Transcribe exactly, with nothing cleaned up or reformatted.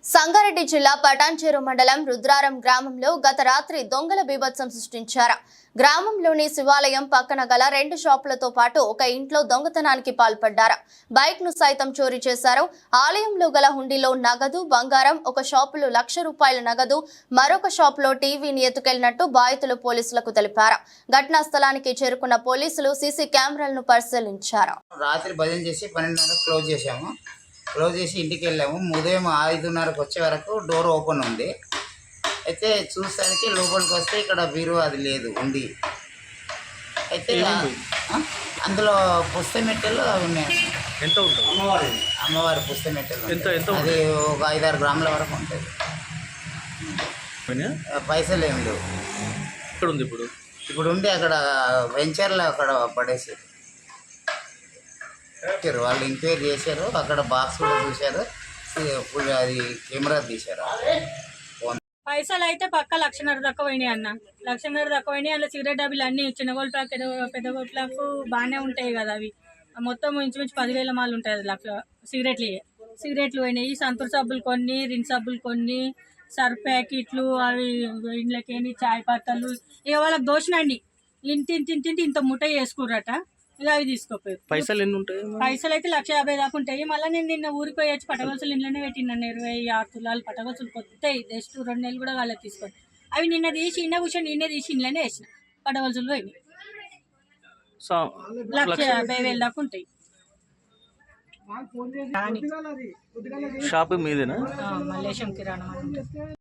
సంగారెడ్డి జిల్లా పటాన్చెరు మండలం రుద్రారం గ్రామంలో గత రాత్రి దొంగల బీభత్సం సృష్టించారు. గ్రామంలోని శివాలయం పక్కన గల రెండు షాపులతో పాటు ఒక ఇంట్లో దొంగతనానికి పాల్పడ్డారు. బైక్ ను సైతం చోరీ చేశారు. ఆలయంలో గల హుండీలో నగదు, బంగారం, ఒక షాపులో లక్ష రూపాయల నగదు, మరొక షాపులో టీవీని ఎత్తుకెళ్లినట్టు బాధితులు పోలీసులకు తెలిపారు. ఘటనా స్థలానికి చేరుకున్న పోలీసులు సీసీ కెమెరాలను పరిశీలించారు. రాత్రి భజన చేసి పన్నెండున్నర క్లోజ్ చేశాము. క్లోజ్ చేసి ఇంటికి వెళ్ళాము. ఉదయం ఐదున్నరకు వచ్చే వరకు డోర్ ఓపెన్ ఉంది. అయితే చూసానికి లోపలికి వస్తే ఇక్కడ బీరు అది లేదు ఉంది. అయితే అందులో పుస్తమెట్టెలు అవి ఉన్నాయి. ఎంత ఉంటుంది? అమ్మవారి అమ్మవారి పుస్తమెట్టెలు అది ఒక ఐదారు గ్రాముల వరకు ఉంటుంది. పైసలు ఏమి లేవు. ఇక్కడ ఉంది ఇప్పుడు ఇప్పుడు ఉండి అక్కడ వెంచర్లో అక్కడ పడేసి వాళ్ళు ఎంక్వైరీ చేశారు. అక్కడ బాక్స్ కూడా చూశారు. అది కెమెరా తీశారు. పైసలు అయితే పక్క లక్షన్నర దాకా పోయినాయి అన్న. లక్షన్నర దాకా పోయినాయి. అందులో సిగరెట్ డబ్బులు అన్ని చిన్న గోల్ ప్లాక్ పెద్ద గోల్ ప్లాక్ బాగానే ఉంటాయి కదా. అవి మొత్తం ఇంచుమించు పదివేల మాలు ఉంటాయి. అది లక్ష సిగరెట్లు సిగరెట్లు పోయినాయి. సంతూర్ సబ్బులు కొన్ని, రిన్ సబ్బులు కొన్ని, సర్ఫ్ ప్యాకెట్లు, అవి ఇంట్లోకి చాయ్ పత్తలు ఇక వాళ్ళకి దోషినండి. ఇంటి ఇంటి ఇంటి ఇంత ముఠ చేసుకుర్రట. ఇక అవి తీసుకోపోయారు. పైసలు ఎన్ని ఉంటాయి? పైసలు అయితే లక్ష యాభై దాకా ఉంటాయి. మళ్ళీ నేను నిన్న ఊరికి పోయి వచ్చి పటగొలుసులు ఇంట్లోనే పెట్టినాను. ఇరవై ఆరు తులాలు పటగొలుసులు కొత్తాయి. జస్ట్ రెండు నెలలు కూడా వాళ్ళకి తీసుకొని అవి నిన్న తీసి నిన్న కూర్చొని నిన్నే తీసి ఇంట్లోనే వేసిన పటగొలుసులు పోయినాయి. లక్ష యాభై వేలు దాకా ఉంటాయి. షాప్ మీదేనా? మల్లేశం కిరాణా.